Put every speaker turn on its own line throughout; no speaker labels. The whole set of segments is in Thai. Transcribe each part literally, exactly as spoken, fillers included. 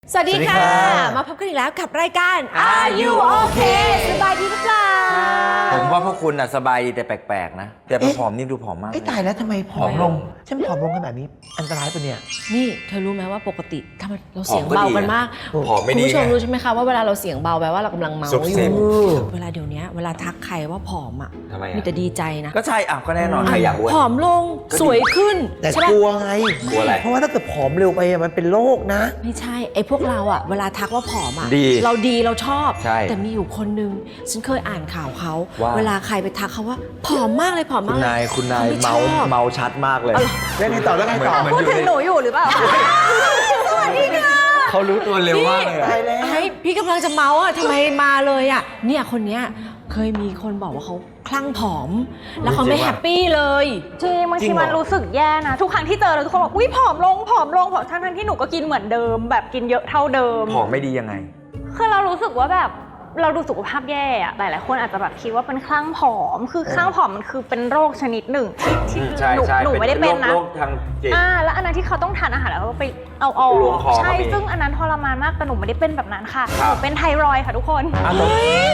สวัสดีค่ะมาพบกันอีกแล้วกับรายการ Are You Okay สบายดีหรือเปล่า
ผมว่าพวกคุณอ่ะสบายดีแต่แปลกๆนะแต่ผอมนี่ดูผอมมาก
ไอ้ตายแล้วทำไมผอมลงฉันผอมลงกันแบบนี้อันตรายปะเนี่ย
นี่เธอรู้ไหมว่าปกติถ้าเราเสียงเบากันมาก
ผอมไม่ดี
คุณผู้ชมรู้ใช่ไหมคะว่าเวลาเราเสียงเบาแปลว่าเรากำลังเมาอยู่เวลาเดี๋ยวนี้เวลาทักใครว่าผอมอ่ะมีแต่ดีใจนะ
ก็ใช่อ่ะก็แน่นอนใครอยากอ้วน
ผอมลงสวยขึ้น
แต่กลัวไง
กลัวอะไร
เพราะว่าถ้าเกิดผอมเร็วไปมันเป็นโรคนะ
ไม่ใช่ไอ้พวกเราอ่ะเวลาทักว่าผอมอ่ะ
ดี
เราดีเราชอบ
ใช่
แต่มีอยู่คนนึงฉันเคยอ่านข่าวเขา
ว่า
เวลาใครไปทักเขาว่าผอมมากเลยผอม
คุ
มากเลย
ณนายคุณนาย
ขไช
เมา
อบ
เมาชัดมากเลย
แล้วไงต่อแล้วไงต่อ
พูดถึงหนูอยู่หรือเปล่าสวัสดีค่ะ
เขารู้ตัวเร็วมากเลย
ตายแล้ว
ไอ้พี่กำลังจะเมาอ่ะทำไมมาเลยอ่ะเนี่ยคนเนี้ยเคยมีคนบอกว่าเขาคลั่งผอม แล้วเขาไม่แฮปปี้เลย
จริงบางทีมันรู้สึกแย่นะทุกครั้งที่เจอเราทุกคนบอกอุ้ยผอมลงผอมลงผอมทั้งทั้งที่หนูก็กินเหมือนเดิมแบบกินเยอะเท่าเดิม
ผอมไม่ดียังไง
คือเรารู้สึกว่าแบบเราดูสุขภาพแย่อะหลายๆคนอาจจะแบบคิดว่าเป็นคลั่งผอมคือคลั่งผอมมันคือเป็นโรคชนิดหนึ่งที่หนูหนูไม่ได้เป็นนะ
โรคทางจิต
อ่าแล้วอันนั้นที่เขาต้องทานอาหารแล้วก็ไปเอาออกใช่ซึ่งอันนั้นทรมานมากแต่หนูไม่ได้เป็นแบบนั้นค่ะหนูเป็นไทรอยด์ค่ะทุกคน
เฮ้ย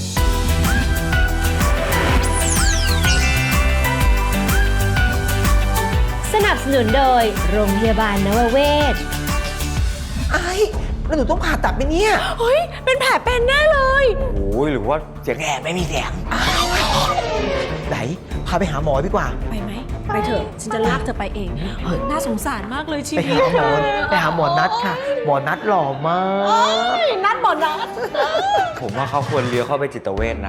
สนับสนุนโดยโรงพยาบาลนวเวศ
ไอ้แล้วหนูต้องผ่าตัดไหมเนี่ย
เฮ้ยเป็นแผลเป็นแน่เลย
โอ้ยหรือว่าเสียงแหบไม่มีเสียง
ไหนพาไปหาหมอดีกว่า
ไปไหมไปเถอะฉันจะลากเธอไปเองเฮ้ยน่าสงสารมากเลยชีวิต
ไปหาหมอไปหาหมอนัดค่ะหมอนัดหล่อมาก
นัดหมอนัด
ผมว่าเขาควรเลี้ยวเข้าไปจิตเวชนะ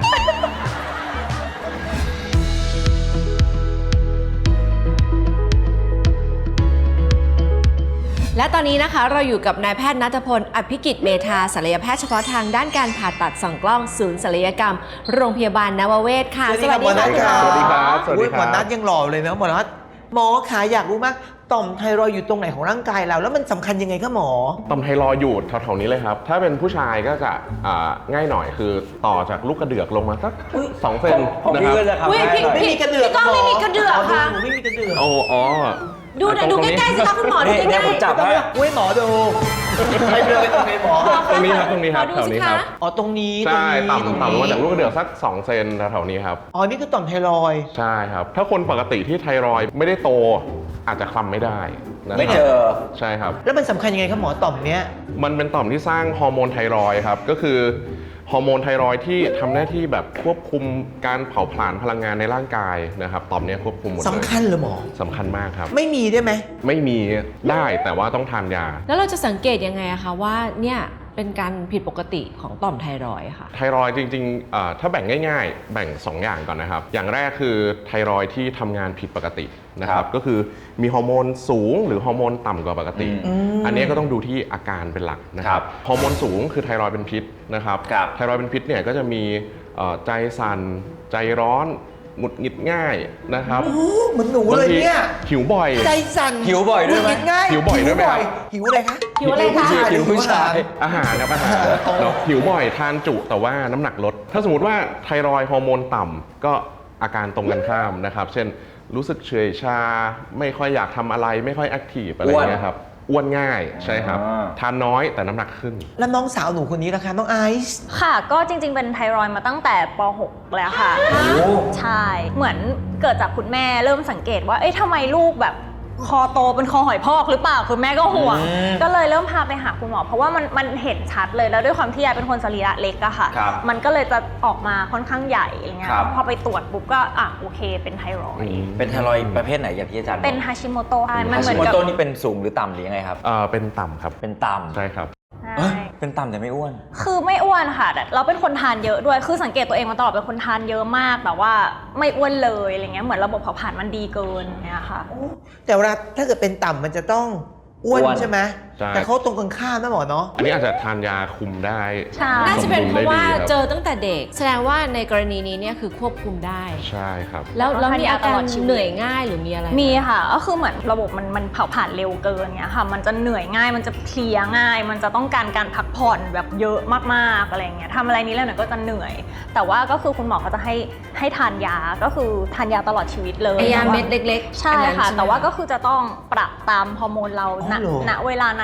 และตอนนี้นะคะเราอยู่กับนายแพทย์ณัฐพลอภิกิจเมธาศัลยแพทย์เฉพาะทางด้านการผ่าตัดส่องกล้องศูนย์ศัลยกรรมโรงพยาบาลนวเวศค่ะ
สวัสดีค่ะ
สวัสดีครับสวัสดี
หมอนัดยังหล่อเลยนะหมอนัดหมอขาอยากรู้มากต่อมไทรอยด์อยู่ตรงไหนของร่างกายเราแล้วมันสำคัญยังไงคะหมอ
ต่อมไทรอยด์อยู่แถวๆนี้เลยครับถ้าเป็นผู้ชายก็จะง่ายหน่อยคือต่อจากลูกกระเดือกลงมาสักสองเซน
นะครับ
ไม่มีกระเดือก
พี่ก้องไม่มีกระเดือกค่ะ
หนูไม่มีกระเดือก
โอ้อ๋อ
ดูหน่อยดูใกล้ๆสิคะคุณหมอดูใกล้ๆ
จับให้
อุ้ยหมอดูไปเดินไปตรงไหนหมอ
ตรงนี้ครับตรงนี้ครับแถวนี้ครับ
อ๋อตรงนี้
ใช่ต่ำต่ำลงมาจากลูกกระเดือกสักสองเซนแถวๆนี้ครับ
อ๋อนี่คือต่อมไทรอยด์
ใช่ครับถ้าคนปกติที่ไทรอยด์ไม่ได้โตอาจจะคลำไม่ได้
ไม่เจอ
ใช่ครับ
แล้วมันสำคัญยังไงครับหมอต่อมเนี้ย
มันเป็นต่อมที่สร้างฮอร์โมนไทรอยด์ครับก็คือฮอร์โมนไทรอยด์ที่ทำหน้าที่แบบควบคุมการเผาผลาญพลังงานในร่างกายนะครับต่อมนี้ควบคุมหมดเลย
สำคัญเหรอหมอ
สำคัญมากครับ
ไม่มีได้ไหม
ไม่มีได้แต่ว่าต้องทานยา
แล้วเราจะสังเกตยังไงอะคะว่าเนี่ยเป็นการผิดปกติของต่อมไทรอยด์ค่ะ
ไทรอยด์จริงๆถ้าแบ่งง่ายๆแบ่งสองอย่างก่อนนะครับอย่างแรกคือไทรอยด์ที่ทำงานผิดปกตินะครับก็คือมีฮอร์โมนสูงหรือฮอร์โมนต่ำกว่าปกติอันนี้ก็ต้องดูที่อาการเป็นหลักนะครับฮอร์โมนสูงคือไทรอยด์เป็นพิษนะครับไทรอยด์เป็นพิษเนี่ยก็จะมีใจสั่นใจร้อนหงุดหงิดง่ายนะครับ
โอ้เหมือนหนูเลยเนี่ย
หิวบ่อย
ใจสั่น
หิวบ่อยด้วยไหม
ง่าย
หิวบ่อยด้วยไหม
หิวอะไรคะ
หิวอะไรคะ
หิวผู้ชาย
อาหารครับอาหารหิวบ่อยทานจุแต่ว่าน้ำหนักลดถ้าสมมติว่าไทรอยด์ฮอร์โมนต่ำก็อาการตรงกันข้ามนะครับเช่นรู้สึกเฉยชาไม่ค่อยอยากทำอะไรไม่ค่อยแอคทีฟอะไรเงี้ยครับอ้วนง่ายใช่ครับทานน้อยแต่น้ำหนักขึ้น
แล้วน้องสาวหนูคนนี้ล่ะคะน้องไอซ์
ค่ะก็จริงๆเป็นไทรอยด์มาตั้งแต่ป หกแล้วค่ะใช่เหมือนเกิดจากคุณแม่เริ่มสังเกตว่าเอ๊ะทำไมลูกแบบคอโตเป็นคอหอยพอกหรือเปล่าคุณแม่ก็ห่วงก็เลยเริ่มพาไปหาคุณหมอเพราะว่ามันมันเห็นชัดเลยแล้วด้วยความที่ยายเป็นคนสรีระเล็กอะค่ะมันก็เลยจะออกมาค่อนข้างใหญ่อะไรเงี้ยพอไปตรวจปุ๊บก็อ่ะโอเคเป็นไทรอยด์
เป็นไทรอยด์ประเภทไหนอย่างที่อาจารย์
เป็นฮาชิโมโตะ
มันเหมือนกับฮาชิโมโตะนี่เป็นสูงหรือต่ำหรือยังไงครับ
เออเป็นต่ำครับ
เป็นต่ำ
ใช่ครับ
เป็นต่ำแต่ไม่อ้วน
คือไม่อ้วนค่ะเราเป็นคนทานเยอะด้วยคือสังเกตตัวเองมาตลอดเป็นคนทานเยอะมากแต่ว่าไม่อ้วนเลยอะไรเงี้ยเหมือนระบบเผาผลาญมันดีเกินเนี่ยค่ะ
แต่เวลาถ้าเกิดเป็นต่ำมันจะต้องอ้วนใช่ไหมแต่เขาตรงกันข้ามนะหมอเนาะ
อันนี้อาจจะทานยาคุมได้
น่าจะเป็นเพราะว่าเจอตั้งแต่เด็กแสดงว่าในกรณีนี้เนี่ยคือควบคุมได้
ใช่ครับ
แล้วแล้วมีอาการเหนื่อยง่ายหรือมีอะไร
มีค่ะก็คือเหมือนระบบมันมันเผาผลาญเร็วเกินเงี้ยค่ะมันจะเหนื่อยง่ายมันจะเพลียง่ายมันจะต้องการการพักผ่อนแบบเยอะมากๆอะไรเงี้ยทำอะไรนี้แล้วเนี่ยก็จะเหนื่อยแต่ว่าก็คือคุณหมอเขาจะให้ให้ทานยาก็คือทานยาตลอดชีวิตเลย
ยาเม็ดเล็ก
ๆใช่ค่ะแต่ว่าก็คือจะต้องปรับตามฮอร์โมนเราณเวลานั้น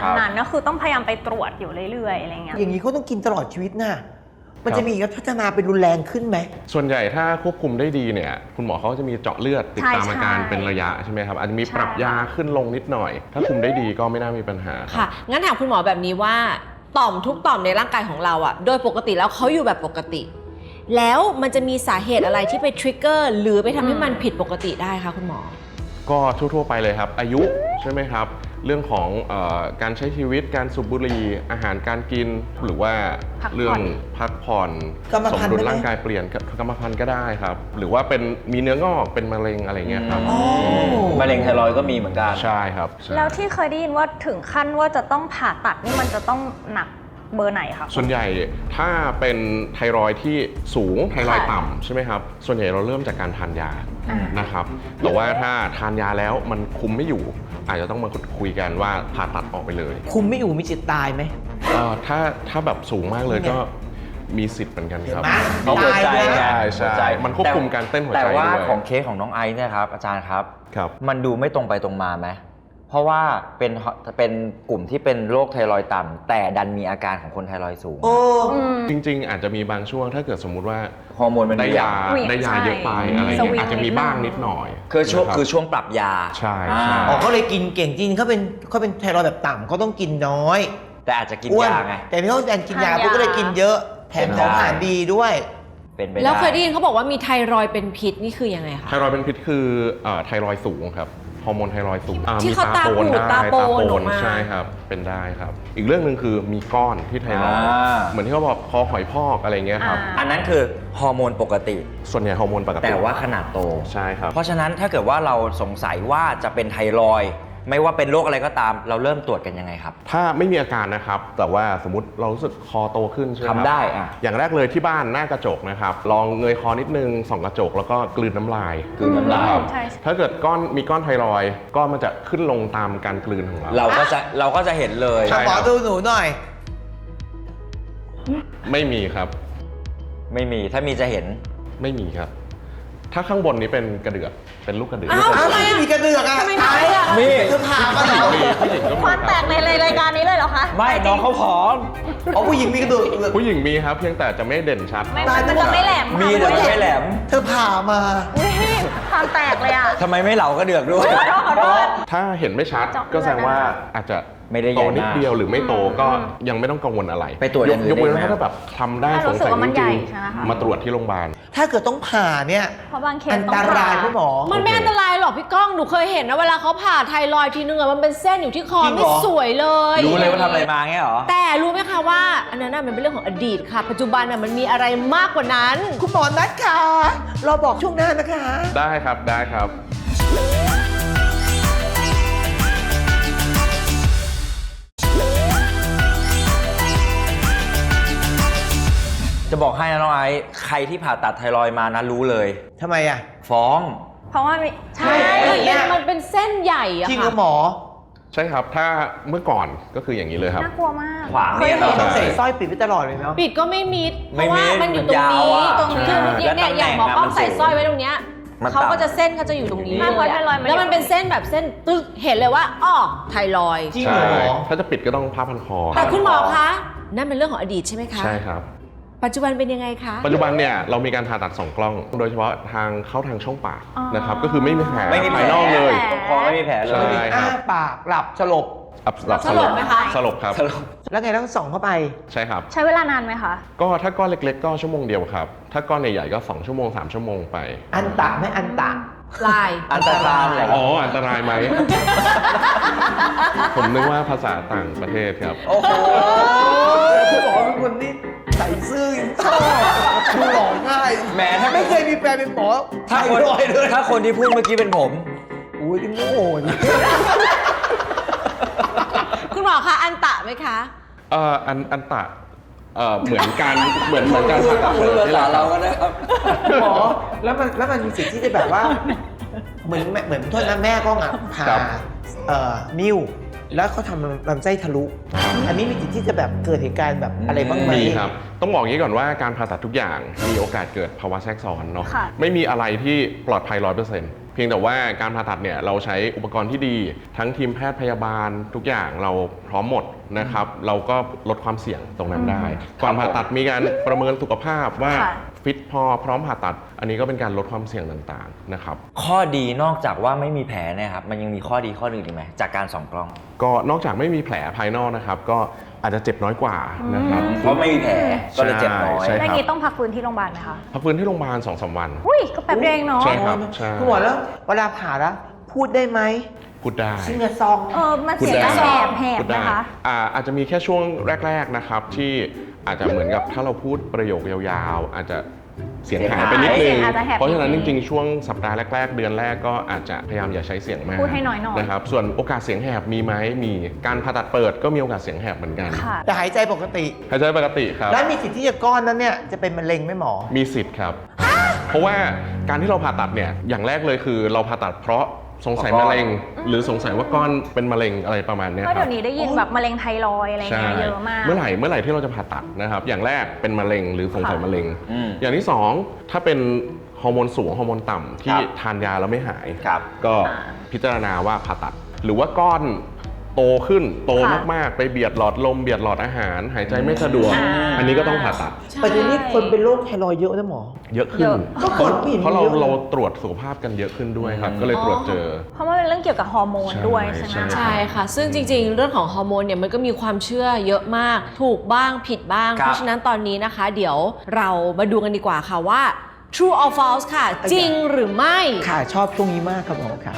นั้นๆก็คือต้องพยายามไปตรวจอยู่เรื่อยๆอะไรเงี้ย
อย่างนี้เขาต้องกินตลอดชีวิตน่ะมันจะมีพัฒนาเป็นรุนแรงขึ้นไหม
ส่วนใหญ่ถ้าควบคุมได้ดีเนี่ยคุณหมอเขาจะมีเจาะเลือดติดตามอาการเป็นระยะใช่ไหมครับอาจจะมีปรับยาขึ้นลงนิดหน่อย ถ้าคุมได้ดีก็ไม่น่ามีปัญหา
ค่ะ งั้นถามคุณหมอแบบนี้ว่าต่อมทุกต่อมในร่างกายของเราอะโดยปกติแล้วเขาอยู่แบบปกติ แล้วมันจะมีสาเหตุอะไรที่ไปทริกเกอร์หรือไปทำให้มันผิดปกติได้คะคุณหมอ
ก็ทั่วๆไปเลยครับอายุใช่ไหมครับเรื่องของเออการใช้ชีวิตการสูบบุหรี่อาหารการกินหรือว่า
พักผ่อน
เรื่องพักผ่อน
กรรม
สม
พันธุ์
ดุล
ได้ไหม
ร่างกายเปลี่ยนกรรมพันธุ์ก็ได้ครับหรือว่าเป็นมีเนื้องอกเป็นมะเร็งอะไรเงี้ยครับ
มะเร็งไทรอยด์ก็มีเหมือนกัน
ใช่ครับใช่
แล้วที่เคยได้ยินว่าถึงขั้นว่าจะต้องผ่าตัดนี่มันจะต้องหนักเบอร์ไหนคะ
ส่วนใหญ่ถ้าเป็นไทรอยด์ที่สูงไทรอยด์
ค่ะ
ต่ำใช่ไหมครับส่วนใหญ่เราเริ่มจากการทานยา
อ่าน
นะครับแต่ว่าถ้าทานยาแล้วมันคุมไม่อยู่ อาจจะต้องมาคุยกันว่าผ่าตัดออกไปเลย
คุมไม่อยู่มีจิตตายไหม
เอ่อถ้าถ้าแบบสูงมากเลยก็มีสิทธิ์เหมือนกันครับ
เห็นไหม
เอาหัวใจไง
ใช่ใช่
หัวใจ
มันควบคุมการเต้นหัวใจ
แต่ว่า
ด้วย
ของเคสของน้องไอซ์เนี่ยครับอาจารย์ครับ
ครับ
มันดูไม่ตรงไปตรงมาไหมเพราะว่าเป็นเป็นกลุ่มที่เป็นโรคไทรอยด์ต่ำแต่ดันมีอาการของคนไทรอยด์สูง
โอ้
อืม
จริงๆ อาจจะมีบางช่วงถ้าเกิดสมมุติว่า
ฮอร์โมนมัน
ได้ยา
เหวี่ยง
ได้ยาเยอะไป
ใช่
อะไร
ส
เงี้
วิ
ย
ง
อาจจะมีบ้างนิดหน่อย
คือช่วง
นะรับ
คือช่วงปรับยา
ใช่
อ่า
ใช่
อ๋อเขาเลยกินเก่งจริงเขาเป็นเขาเป็นไทรอยด์แบบต่ำเขาต้องกินน้อย
แต่อาจจะกิน
อ้วน
ยาไง
แต่พี่เขาดันกินยา
ทานยา
ปุ๊บก็เลยกินเยอะแถมของอาหารดีด้วย
เป็นไปได้
แล้วเคยได้ยินเขาบอกว่ามีไทรอยด์เป็นพิษนี่คือยังไงคะ
ไทรอยด์เป็นพิษคือเอ่อไทรอยด์สูงครับฮอร์โมนไทรอยด์สูงอ่
ที่
มี
เขาตาปูด
ได้
ตาโปนออกมา
ใช่ครับเป็นได้ครับ อีกเรื่องหนึ่งคือมีก้อนที่ไทรอยด์
อ่า
เหมือนที่เขาบอกคอหอยพอกอะไรเงี้ยครับ
อ่า
อันนั้นคือฮอร์โมนปกติ
ส่วนใหญ่ฮอร์โมนปกติ
แต่ว่าขนาดโต
ใช่ครับ
เพราะฉะนั้นถ้าเกิดว่าเราสงสัยว่าจะเป็นไทรอยด์ไม่ว่าเป็นโรคอะไรก็ตาม เราเริ่มตรวจกันยังไงครับ
ถ้าไม่มีอาการนะครับ แต่ว่าสมมติเรารู้สึกคอโตขึ้นใช่ไหมครับ
ทำได้อ่ะ
อย่างแรกเลยที่บ้านหน้ากระจกนะครับลองเงยคอนิดนึงส่องกระจกแล้วก็กลืนน้ำลาย
กลืนน้ำลาย
ครับ
ใช่ใช่
ถ้าเกิดก้อนมีก้อนไทรอยด์ก้อนมันจะขึ้นลงตามการกลืนของเรา
เราก็จะเราก็จะเห็นเลย
ใช่
หมอดูหนูหน่อย
ไม่มีครับ
ไม่มีถ้ามีจะเห็น
ไม่มีครับ ถ้าข้างบนนี้เป็นกระเดือกเป็นลูกกระเดือก
อ้าว
อ้าวทำไมมีกระเดือกอ่ะ
ทำไมไม่อะ
มีเธอผ่ามาเหรอ
มีผู้หญิงก็มี
ความแตกในรายการนี้เลยเหรอคะ
ไม่น้องเขาผอม
อ๋อผู้หญิงมีกระเดือก
ผู้หญิงมีครับเพียงแต่จะไม่เด่นชัด
ไม่มันจะไม่แหลม
มีแต่ไม่แหลม
เธอผ่ามา
อุ๊ยความแตกเลยอ่ะ
ทำไมไม่เหลากระเดือกด้วย
ขอโทษขอโทษ
ถ้าเห็นไม่ชัด
เจาะเลือด
ก็แสดงว่าอาจจะ
ไม่ได้ให
โต
ญ่มาก
นิดเดียวหรือไม่โตก็ยังไม่ต้องกังวลอะไร
ไปตรวจอย่างอื่น
ยกเว้น
ได้ไหม
ว่าถ้าแบบทำได้
ถ้า
ส
รู้
ง
สึก
สัย
ว่ามัน
จ
ใหญ่
ริง
ใช่ไหมคะ
ๆมาตรวจที่โรงพยาบาล
ถ้าเกิดต้องผ่าเนี่ย
เพราะบางเคส
อัน
ต้อง
ตราย
ผ่
พี่หมอ
มันไม่อันตรายหรอกพี่ก้อง หนูเคยเห็นนะเวลาเขาผ่าไทรอยด์ทีนึงอะมันเป็นเส้นอยู่ที่คอ
จริงเหรอ
ไม่สวยเลย
รู้เลยว่าทำอะไรมาเงี้ยเหรอ
แต่รู้ไหมคะว่าอันนั้นน่ะมันเป็นเรื่องของอดีตค่ะ ปัจจุบันน่ะมันมีอะไรมากกว่านั้น
คุณหมอนัดค่ะเราบอกช่วงหน้านะคะ
ได้ครับได้ครับ
จะบอกให้นะน้องไอซ์ใครที่ผ่าตัดไทรอยด์มานะรู้เลย
ทำไมอ่ะ
ฟ้อง
เพราะว่ามีใช่
มันเป็นมันเป็นเส้นใหญ่อะ
จริงเหร
ค่ะ
อหมอ
ใช่ครับถ้าเมื่อก่อนก็คืออย่างนี้เลยครับ
น่ากลัวมาก
ขวาง
เค
เนี่ย ย
เห็น
เหร
ต้องใส่สร้อยปิดไว้ตลอดเลยเนาะ
ปิดก็ไม่มิด เพ
ไม่
ราะ
มิ
ว่า
ด
มันอยู่ตรงนี้
มันยาวอะ
ตรงนี้
ใช่
เนี่ยเนี่ยอย่างหมอกล้องใส่สร้อยไว้ตรงเนี้ย
มัน
เขาก็
ต่ำ
จะเส้นเขาจะอยู่ตรงนี้
ไม่เพราะไทรอยด์มัน
แล้วมันเป็นเส้นแบบเส้นตึกเห็นเลยว่าอ้อไทรอยด์
จริง
ใช่
เหรอ
ถ้าจะปิดก็ต้องผ้าพันคอ
แต่คุณหมอคะนั่นเป็นเรื่องของอดีตใช่ไหมคะ
ใช่ครับ
ปัจจุบันเป็นยังไงคะ
ปัจจุบันเนี่ยเรามีการผ่าตัดสองกล้อง โดยเฉพาะทางเข้าทางช่องปาก
อ๋อ
นะครับก็คือไม่มีแผล
ไม่มีแผล
ภายนอกเลย
ตรงคอไม่มีแผลเล
ใช่
ย
อ้าปากหลับสลบ
อับหลับ
สลบไหมคะ
สลบครับ
แล้วไงต้องส่องเข้าไป
ใช่ครับ
ใช้เวลานานไหมคะ
ก็ถ้าก้อนเล็กๆ ก็ชั่วโมงเดียวครับ ถ้าก้อนใหญ่ๆก็สองชั่วโมงสามชั่วโมงไป
อันตะไม่อันตะ
ลาย
อันตรายเหรอ
อ๋ออันตรายไหม ผมนึกว่าภาษาต่างประเทศครับ
โอ้โห
คุณหมอเป็นคนที่ใส่ซื่อยังชอบดูหล่อง่าย
แหมถ้า
ไม่เคยมีแฟนเป็นหมอ
ถ้าคน
ไทรอยด์เลย
ถ้าคนที่พูดเมื่อกี้เป็นผม
อุ้ยโง่นี่
คุณหมอคะอันตะไหมคะ
เอ่ออันอันตะเอ่อเหมือนการเหมือนเหมือนการผ่าตัด
พูดภาษาเราก็
ได้
ได้ครับ
หมอแล้วมันแล้วมันมีสิทธิ์ที่จะแบบว่า เหมือนแม่เหมือนโทษนะแม่ก็อ่ะผ่าเอ่อนิ้วแล้วเขาทำลำไส้ทะลุ อันนี้มีสิทธิ์ที่จะแบบเกิดเหตุการณ์แบบอะไรบ้างไหม
มีครับ ต้องบอกอย่างนี้ก่อนว่าการผ่าตัดทุกอย่างมีโอกาสเกิดภาวะแทรกซ้อนเนาะ
ค่ะ
ไม่มีอะไรที่ปลอดภัยร้อยเปอร์เซ็นต์เพียงแต่ว่าการผ่าตัดเนี่ยเราใช้อุปกรณ์ที่ดีทั้งทีมแพทย์พยาบาลทุกอย่างเราพร้อมหมดนะครับเราก็ลดความเสี่ยงตรงนั้นได้ ก่อนผ่าตัดมีการประเมินสุขภาพว่า
ค่ะ
ฟิตพอพร้อมผ่าตัด อันนี้ก็เป็นการลดความเสี่ยงต่างๆนะครับ
ข้อดีนอกจากว่าไม่มีแผลเนี่ยครับมันยังมีข้อดีข้ออื่นอีกไหมจากการส่องกล้อง
ก็นอกจากไม่มีแผลภายนอกนะครับ ก็อาจจะเจ็บน้อยกว่านะครับ
เพราะไม่มีแผลก็เลยเจ็บน้อย
ใช่
แล้ว
ครับ
นี้ต้องพักฟื้นที่โรงพยาบาลไหมคะ
พักฟื้นที่โรงพยาบาล สองถึงสาม วัน
อุ้ยก็แป๊บเดียวเองเนาะ
ใช่ครับใช่
คุณหมอแล้วเวลาผ่าแล้วพูดได้ไหม
พูดได้
ซิงเกิลซอง
เออมัน
พูด
เสียง
ได้
จะแหบแหบ
พูดได้
นะคะ
อ่าอาจจะมีแค่ช่วงแรกๆนะครับที่อาจจะเหมือนกับถ้าเราพูดประโยคยาวๆ อาจจะเสียงหายไปนิดนึ
เสี
ง
ยงอาจจะแหบ
เพราะฉะนั้น
นิ
จ
ดนึง
ริงๆ ช่วงสัปดาห์แรกๆ เดือนแรกก็อาจจะพยายามอย่าใช้เสียงมาก
พูดให้น้อยหน่อย
นะครับส่วนโอกาสเสียงแหบมีไหมมีการผ่าตัดเปิดก็มีโอกาสเสียงแหบเหมือนกัน
ค่ะ
แต่หายใจปกติ
หายใจปกติครับ
แล้วมีสิทธิ์ที่จะก้อนนั้นเนี่ยจะเป็นมะเร็งไหมหมอ
มีสิทธิ์ครับ เพราะว่าการที่เราผ่าตัดเนี่ยอย่างแรกเลยคือเราผ่าตัดเพราะสงสัยมะเร็ง หรือสงสัยว่าก้อนเป็นมะเร็งอะไรประมาณเนี้ย
ก็
ค
เดี๋
รั
ย
บ
วนี้ได้ยินแบบมะเร็งไทรอยด์อะไร
ใช่
เงี้ยเยอะมาก
เมื่อไหร่เมื่อไหร่ที่เราจะผ่าตัดนะครับอย่างแรกเป็นมะเร็งหรือสงสัยมะเร็ง
อืม
อย่างที่สองถ้าเป็นฮอร์โมนสูงฮอร์โมนต่ำที่
ครับ
ทานยาแล้วไม่หาย
ครับ
ก็
อ่า
พิจารณาว่าผ่าตัด หรือว่าก้อนโตขึ้นโต
ค่ะ
มากๆ ไปเบียดหลอดลมเบียดหลอดอาหาร หายใจไม่สะดวก
อ่า
อันนี้ก็ต้องผ่าตัด
ปัจจุบันนี้คนเป็นโรคไทรอยด์เยอะนะหมอ
เยอะขึ้
เย
น
อะ
ก็ก่อนไม่เห็น
เพราะเรา
เยอะ
เราตรวจสุขภาพกันเยอะขึ้นด้วยครับ ก็เลยตรวจเจอ
เพราะว่าเป็นเรื่องเกี่ยวกับฮอร์โมนด้วยใช่ไหม
ใช่
ใช่ค่ะ ซึ่งจริงๆ เรื่องของฮอร์โมนเนี่ยมันก็มีความเชื่อเยอะมาก ถูกบ้างผิดบ้าง
ครับ
เพราะฉะนั้นตอนนี้นะคะ เดี๋ยวเรามาดูกันดีกว่าค่ะว่า true or false ค่ะ จริงหรือไม่
ค่ะชอบช่วงนี้มากครับหมอค่ะ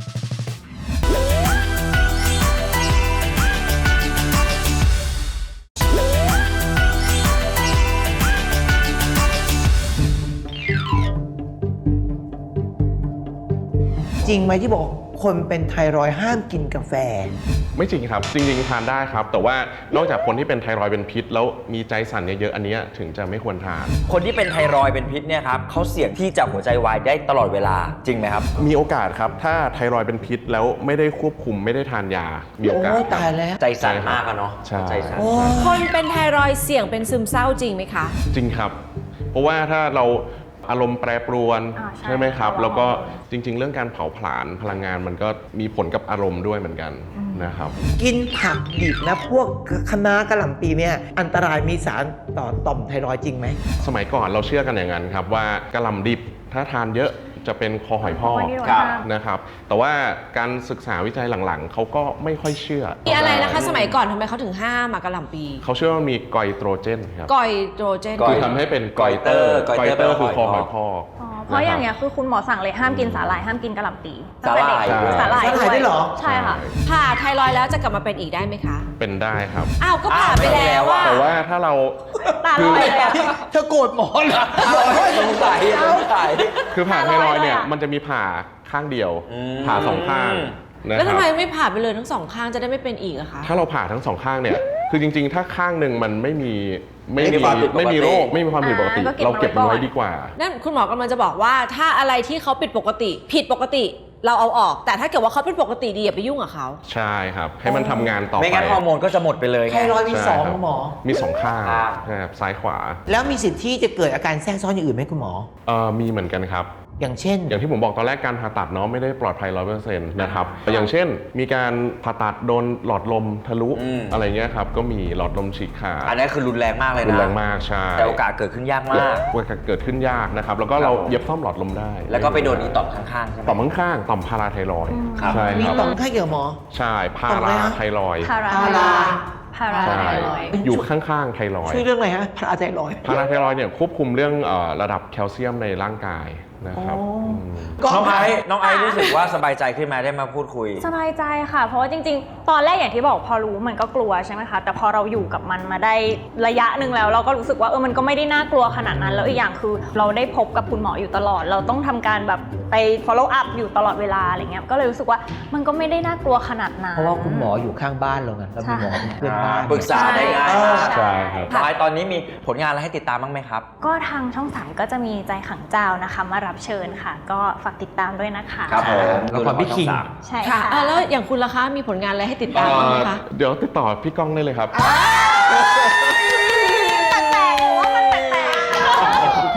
จริงไหมที่บอกคนเป็นไทรอยด์ห้ามกินกาแฟ
ไม่จริงครับ จริงๆทานได้ครับ แต่ว่านอกจากคนที่เป็นไทรอยด์เป็นพิษ แล้วมีใจสั่นเยอะๆอันเนี้ยถึงจะไม่ควรทาน
คนที่เป็นไทรอยด์เป็นพิษเนี่ยครับเขาเสี่ยงที่จะหัวใจวายได้ตลอดเวลาจริงไหมครับ
มีโอกาสครับ ถ้าไทรอยด์เป็นพิษแล้วไม่ได้ควบคุมไม่ได้ทานยา มีโอกาส
โอ้ยตายแล้ว
ใจสั่นมากอะเนาะ
ใช่
ใจสั่น
โอ้ย
คนเป็นไทรอยด์เสี่ยงเป็นซึมเศร้าจริงไหมคะ
จริงครับ เพราะว่าถ้าเราอารมณ์แปรปรวน
อ่าใช่
ใช่ไหมครับ
ภาวะ
แล้วก็จริง ๆ เรื่องการเผาผลาญพลังงานมันก็มีผลกับอารมณ์ด้วยเหมือนกันนะครับ
กินผักดิบนะพวกคะน้ากระหล่ำปีเนี่ยอันตรายมีสารต่อต่อมไทรอยด์จริงไหม
สมัยก่อนเราเชื่อกันอย่างนั้นครับว่ากระหล่ำดิบถ้าทานเยอะจะเป็นคอหอยพอก
คอหอยพอก
ครับนะครับ แต่ว่าการศึกษาวิจัยหลังๆเขาก็ไม่ค่อยเชื่อ
มีอะไรนะคะ สมัยก่อนทำไมเขาถึงห้ามอะกะหล่ำปี
เขาเชื่อว่ามีไกลโตรเจนครับ
กอยโตรเจน
ก
คือทำให้เป็นไกลเตอร์
ไกล
ไกล
เต
เต
อ
อ
ร์
ร์คือคอหอยพ
อ
อก
อ๋อเพราะอย่างเงี้ยคือคุณหมอสั่งเลยห้ามกินสาหร่ายห้ามกินกะหล่ำปี
สาหร่าย
สาหร่าย
สาหร่ายด้วยเหรอ
ใช่ค่ะ
ผ่าไทรอยด์แล้วจะกลับมาเป็นอีกได้ไหมคะ
เป็นได้ครับ
อ้าว ก็ผ่าไปแล้วอะ
แต่ว่าถ้าเรา
ตาลอยเลยอะ
เธอโกรธหมอเหรอ
สงสัยสงสัย
คือผ่าไทรอยด์เนี่ย
อร่อยเลยอะ
มันจะมีผ่าข้างเดียว
อืม
ผ่าสองข้างนะ
แล้ว
ค
ทำ
รับ
ไมไม่ผ่าไปเลยทั้งสองข้างจะได้ไม่เป็นอีกอะคะ
ถ้าเราผ่าทั้งสองข้างเนี่ย คือจริงๆ ถ้าข้างหนึ่งมันไม่มีไม่
ไม่มี
มี
ความผิดปกติ
ไม่มีโรคไม่มีความผิดปกติ
อ่าก็เก็บ
เราเก็บมัน
ไว้
ไว้
ก่อน
ดีกว่า
นั่นคุณหมอกำลังจะบอกว่าถ้าอะไรที่เขาผิดปกติ ผิดปกติเราเอาออก แต่ถ้าเกิดว่าเขาเป็นปกติดีอย่าไปยุ่งกับเขา
ใช่ครับ ให้มันทำงานต่อไป
ไม่งั้นฮอร์โมนก็จะหมดไปเลย
ไท
ไง
รอยด์มี
ใช่
สอง
ครับ
หมอ
มีสองข้าง
ข้าง
นะครับซ้ายขวา
แล้วมีสิทธิ์ที่จะเกิดอาการแทรกซ้อนอย่างอื่นไหมคุณหมอ
เอ่อมีเหมือนกันครับ
อย่างเช่น
อย่างที่ผมบอกตอนแรกการผ่าตัดเนาะไม่ได้ปลอดภัยร้อยเปอร์เซ็นต์นะครับแต่อย่างเช่น มีการผ่าตัดโดนหลอดลมทะลุ
อืม
อะไรเงี้ยครับก็มีหลอดลมฉีกขาด
อันนี้คือรุนแรงมากเลยนะ
รุนแรงมากใช่
แต่โอกาสเกิดขึ้นยากมาก
โอกาสเกิดขึ้นยากนะครับแล้วก็เราเย็บซ่อมหลอดลมได้
แล้วก็ไปโดนอีต่อมข้างๆใช่ไหม
ต่อมข้างๆต่อมพาราไทรอยด์
ครับ
ใช่
มี
ครับ
ต่อมข้างเกี่ยวหมอ
ใช่พา
ต่อมอะไร
รา
ฮะ
ไทรอยด์
พารา
พารา
พารา
ใช่
ไทรอยด์
อยู่ข้างๆไทรอยด์
ช่วยเรื่องอะไรฮะพาราไทรอยด์
พาราไทรอยด์เนี่ยควบคุมเรื่องเอ่อระดับแคลเซียมในร่างกายนะครับ
อ๋ออื
ม
น้องไอซ์น้องไอซ์รู้สึกว่าสบายใจขึ้นไหมได้มาพูดคุย
สบายใจค่ะ เพราะว่าจริงๆ ตอนแรกอย่างที่บอกพอรู้มันก็กลัวใช่ไหมคะ แต่พอเราอยู่กับมันมาได้ระยะหนึ่งแล้ว เราก็รู้สึกว่าเออมันก็ไม่ได้น่ากลัวขนาดนั้น แล้วอีกอย่างคือเราได้พบกับคุณหมออยู่ตลอด เราต้องทำการแบบไป follow up อยู่ตลอดเวลาอะไรเงี้ย ก็เลยรู้สึกว่ามันก็ไม่ได้น่ากลัวขนาดนั้น
เพราะว่าคุณหมออยู่ข้างบ้านเราไงแล้วมีหมอเป็นเพื่อนบ้าน
ปรึกษาได้ง่ายมาก
ใช่ครับ
น้องไอซ์ตอนนี้มีผลงานอะไรให้ติดตามบ้างไหมครับ
ก็ทางช่องสามก็จะมีใจขังเจ้านะคะมารับเชิญค่ะ ก็ฝากติดตามด้วยนะคะ
ครับผม
ละครพี่คิง
ใช่
ค่ะ
ค่ะ
อ่ะ แล้วอย่างคุณล่ะคะ มีผลงานอะไรให้ติดตามบ้างไหมคะ
เอ่อเดี๋ยวติดต่อพี่ก้องได้เลยครับ
ทุกท่านนะคะ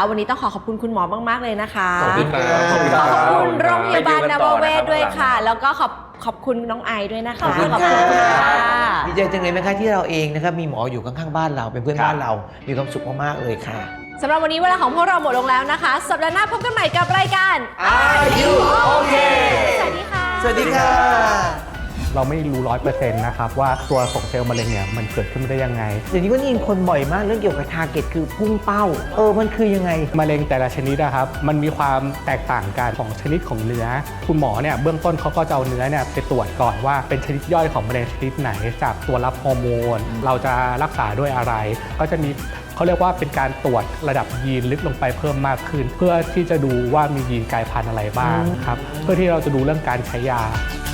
วันนี้ต้องขอขอบคุณคุณหมอมากๆเลยนะคะ
ขอบคุณครับ
ขอบคุณครับ
ขอบคุณโรงพยาบาลนวเวศด้วยค่ะ
ไปดูกันต่อนะครับ
แล้วก็ขอบขอบคุณน้องไอด้วยนะคะ
ขอบคุณ
ขอบ
ค่ะ
คุณค่ะ
ดีใจจังเลยนะคะที่เราเองนะครับมีหมออยู่ข้างๆบ้านเราเป็นเพื่อนบ้านเรา มีความสุขมากๆเลยค่ะ
สำหรับวันนี้เวลาของพวกเราหมดลงแล้วนะคะ สัปดาห์หน้าพบกันใหม่กับรายการ
Are You Okay
สวัสดีค่ะ
สวัสดีค่ะ
เราไม่รู้ร้อยเปอร์เซ็นต์นะครับว่าตัวของเซลล์มะเร็งเนี่ยมันเกิดขึ้นมาได้ยังไง
เดี๋ยวนี้ก็ได้ยินคนบ่อยมากเรื่องเกี่ยวกับทาร์เก็ตคือพุ่งเป้า เออมันคือยังไง
มะเร็งแต่ละชนิดนะครับมันมีความแตกต่างกันของชนิดของเนื้อ คุณหมอเนี่ยเบื้องต้นเขาก็จะเอาเนื้อเนี่ยไปตรวจก่อนว่าเป็นชนิดย่อยของมะเร็งชนิดไหนจากตัวรับฮอร์โมน เราจะรักษาด้วยอะไร ก็จะมีเขาเรียกว่าเป็นการตรวจระดับยีนลึกลงไปเพิ่มมากขึ้น เพื่อที่จะดูว่ามียีนกลายพันธุ์อะไรบ้างครับเพื่อที่เราจะดูเรื่องการใช้ยา